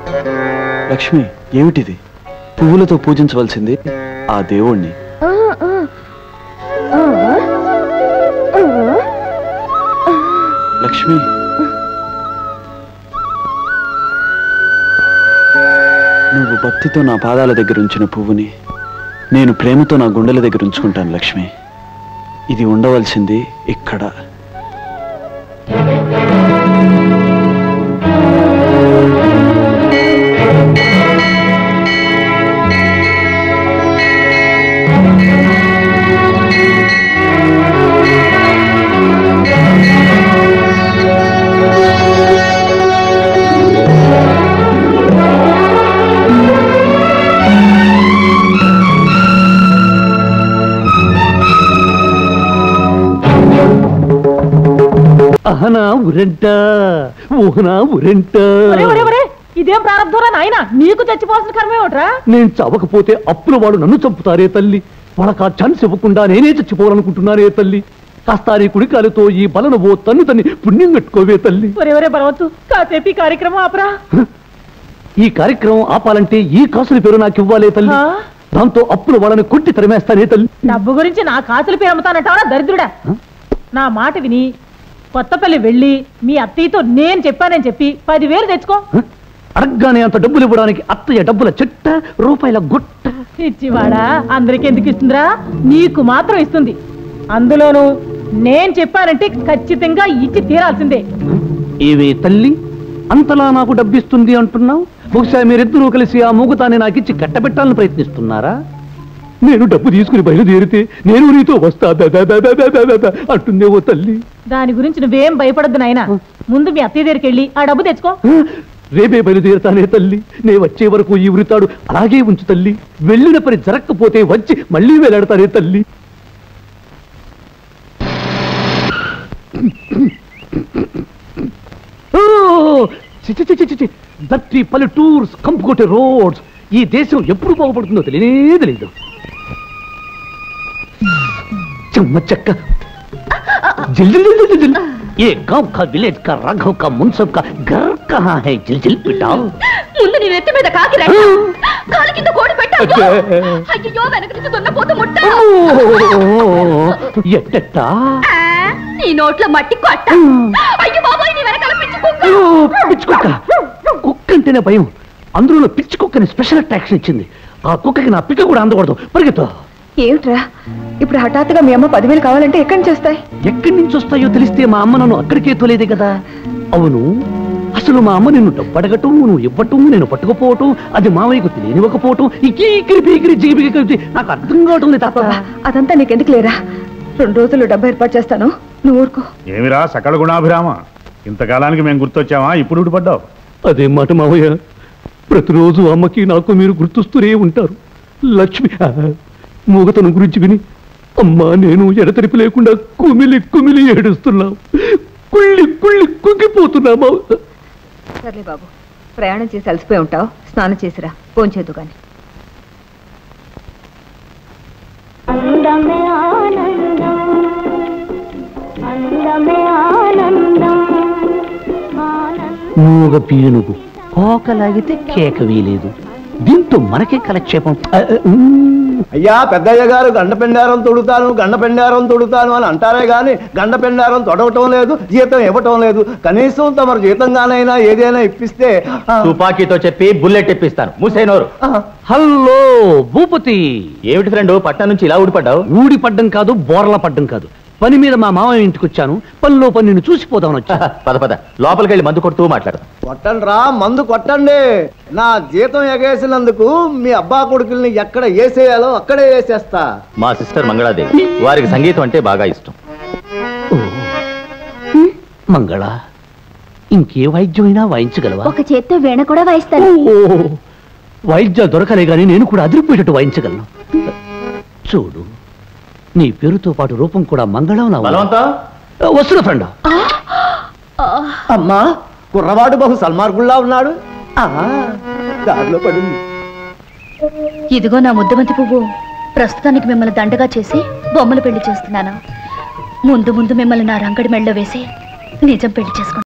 లక్ష్మి, ఏమిటిది? పువ్వులతో పూజించవలసింది ఆ దేవుణ్ణి. లక్ష్మి, నువ్వు భక్తితో నా పాదాల దగ్గర ఉంచిన పువ్వుని నేను ప్రేమతో నా గుండెల దగ్గర ఉంచుకుంటాను. లక్ష్మి, ఇది ఉండవలసింది ఇక్కడ. అహనా ఉరంట ఊహనా ఉరంట. ఇదేం ప్రారంభంరా నాయన, నీకు చచ్చిపోవాల్సిన కర్మే ఒకట్రా. నేను చవకపోతే అప్పుల వాడు నన్ను చంపుతారే తల్లి. వాళ్ళకి ఆ ఛాన్స్ ఇవ్వకుండా నేనే చచ్చిపోవాలనుకుంటున్నారే తల్లి. కాస్త నీ కుడికాలతో ఈ బలను ఓ తన్ను తన్ని పుణ్యం కట్టుకోవే తల్లి. ఒరే బలవత్తు, కాసేపు ఈ కార్యక్రమం ఆపరా. ఈ కార్యక్రమం ఆపాలంటే ఈ కాసుల పేరు నాకు ఇవ్వాలే తల్లి. దాంతో అప్పుల వాళ్ళని కొట్టి తరిమేస్తానే తల్లి. డబ్బు గురించి నా కాసుల పేరు అమ్ముతానంటావా దరిద్రుడా? నా మాట విని కొత్తపల్లి వెళ్ళి మీ అత్తయ్యతో నేను చెప్పానని చెప్పి 10,000 తెచ్చుకో. అడగ్గానే అంత డబ్బులు ఇవ్వడానికి అత్తయ్య డబ్బుల చెట్ట రూపాయల గుట్ట. ఇచ్చివాడా, అందరికి ఎందుకు ఇస్తుందిరా? నీకు మాత్రం ఇస్తుంది. అందులోనూ నేను చెప్పానంటే ఖచ్చితంగా ఇచ్చి తీరాల్సిందే. ఏవే తల్లి, అంతలా నాకు డబ్బిస్తుంది అంటున్నావు? బహుశా మీరిద్దరూ కలిసి ఆ మూగతాన్ని నాకిచ్చి కట్టబెట్టాలని ప్రయత్నిస్తున్నారా? నేను డబ్బు తీసుకుని బయలుదేరితే నేను నీతో వస్తా అంటుందే ఓ తల్లి. దాని గురించి నువ్వేం భయపడద్దు నాయనా. ముందు మీ అత్తయ్య దగ్గరికి వెళ్ళి ఆ డబ్బు తెచ్చుకో. రేపే బయలుదేరుతానే తల్లి. నే వచ్చే వరకు ఈ ఉరితాడు అలాగే ఉంచు తల్లి. వెళ్ళిన పని జరగకపోతే వచ్చి మళ్ళీ వేలాడతానే తల్లి. దట్టి పల్లెటూర్స్ కంపుకొట్టే రోడ్స్. ఈ దేశం ఎప్పుడు బాగుపడుతుందో తెలియనే తెలియదు. चक्का जिल जिल जिल जिल जिल ये गांव का विलेज का राघव का मुंसब का घर कहाँ है? जिल जिल पिटा ముందు నీ నెత్తి మీద కాకి రా కాలి కింద కోడి పెట్టావు అయ్యో వెనక నుంచి దున్నపోతు ముట్ట ఎట్టట నీ నోట్లో మట్టి కొట్ట అయ్యో బాబాయ్ నీ వెనకాల పిచ్చి కుక్క కుక్కంటేనే భయం. అందులో పిచ్చి కుక్కని స్పెషల్ అట్రాక్షన్ ఇచ్చింది. ఆ కుక్కకి నా పిక్క కూడా అందకూడదు. పరిగెత్తా. ఏమిట్రా ఇప్పుడు హఠాత్తుగా మీ అమ్మ 10,000 కావాలంటే ఎక్కడి నుంచి వస్తాయి? ఎక్కడి నుంచి వస్తాయో తెలిస్తే మా అమ్మ నన్ను అక్కడికే తోలేదే కదా. అవును, అసలు మా అమ్మ నిన్ను డబ్బు అడగటం, నువ్వు ఇవ్వటం, నేను పట్టుకుపోవటం, అది మావయ్యకు తెలియనివ్వకపోవటం, ఇకిరి పీకిరి జిగిపిగి కలిసి నాకు అర్థం కావటం లేదు తాత. అదంతా నీకెందుకు లేరా? 2 రోజులు డబ్బు ఏర్పాటు చేస్తాను, నువ్వు ఊరుకో. ఏమిరా సకల గుణాభిరామ, ఇంతకాలానికి మేము గుర్తొచ్చావా? ఇప్పుడు ఊడిపడ్డావు. అదే మాట మావయ్య, ప్రతిరోజు అమ్మకి నాకు మీరు గుర్తొస్తూనే ఉంటారు. లక్ష్మి మూగతనం గురించి విని అమ్మా నేను ఎడతెరిపి లేకుండా కుమిలి కుమిలి ఏడుస్తున్నావు. కుళ్ళి కుళ్ళి కుంగిపోతున్నామా. సర్లే బాబు, ప్రయాణం చేసి అలసిపోయి ఉంటావు, స్నానం చేసిరా, ఫోన్ చేద్దు కానీ. మూగ పీనుగు కోకలాగితే కేక వీలేదు. దీంతో మనకే కలక్షేపం. అయ్యా పెద్దయ్య గారు గండపెండారం తొడుతాను అని అంటారే గాని గండపెండారం తొడవటం లేదు, జీతం ఇవ్వటం లేదు. కనీసం తమరు జీతంగానైనా ఏదైనా ఇప్పిస్తే. తుపాకీతో చెప్పి బుల్లెట్ ఇప్పిస్తాను. మూసేనోరు. హలో భూపతి, ఏమిటి ఫ్రెండ్ పట్టణం నుంచి ఇలా ఊడిపడ్డావు? ఊడిపడ్డం కాదు, బోర్ల పడ్డం కాదు. పని మీద మా మామయ్య ఇంటికి వచ్చాను. పనిలో పని నిన్ను చూసిపోదామని వచ్చా. పద పద లోపలికి వెళ్ళి మందు కొడుతూ మాట్లాడు. కొట్టండి రా, మందు కొట్టండి. నా జీతం ఎగేసినందుకు మీ అబ్బా కొడుకుల్ని ఎక్కడ వేసేయాలో అక్కడే వేసేస్తా. మా సిస్టర్ మంగళాదేవి, వారికి సంగీతం అంటే బాగా ఇష్టం. మంగళ, ఇంకే వాయిద్యమైనా వాయించగలవా? ఒక చేత్తో వీణ కూడా వాయిస్తాను. వాయిద్యాలు దొరకలే గాని నేను కూడా అదిరిపోయేటట్టు వాయించగలను. చూడు, నీ పేరుతో పాటు రూపం కూడా మంగళం. వస్తున్న ఫ్రెండ్. అమ్మా, కుర్రవాడు బహు సల్మార్గుల్లా ఉన్నాడు. దారిలో పడింది. ఇదిగో నా ముద్దమంతి పువ్వు. ప్రస్తుతానికి మిమ్మల్ని దండగా చేసి బొమ్మలు పెళ్లి చేస్తున్నాను. ముందు ముందు మిమ్మల్ని నా రంగడి మెళ్ళలో వేసి నిజం పెళ్లి చేసుకుంటాను.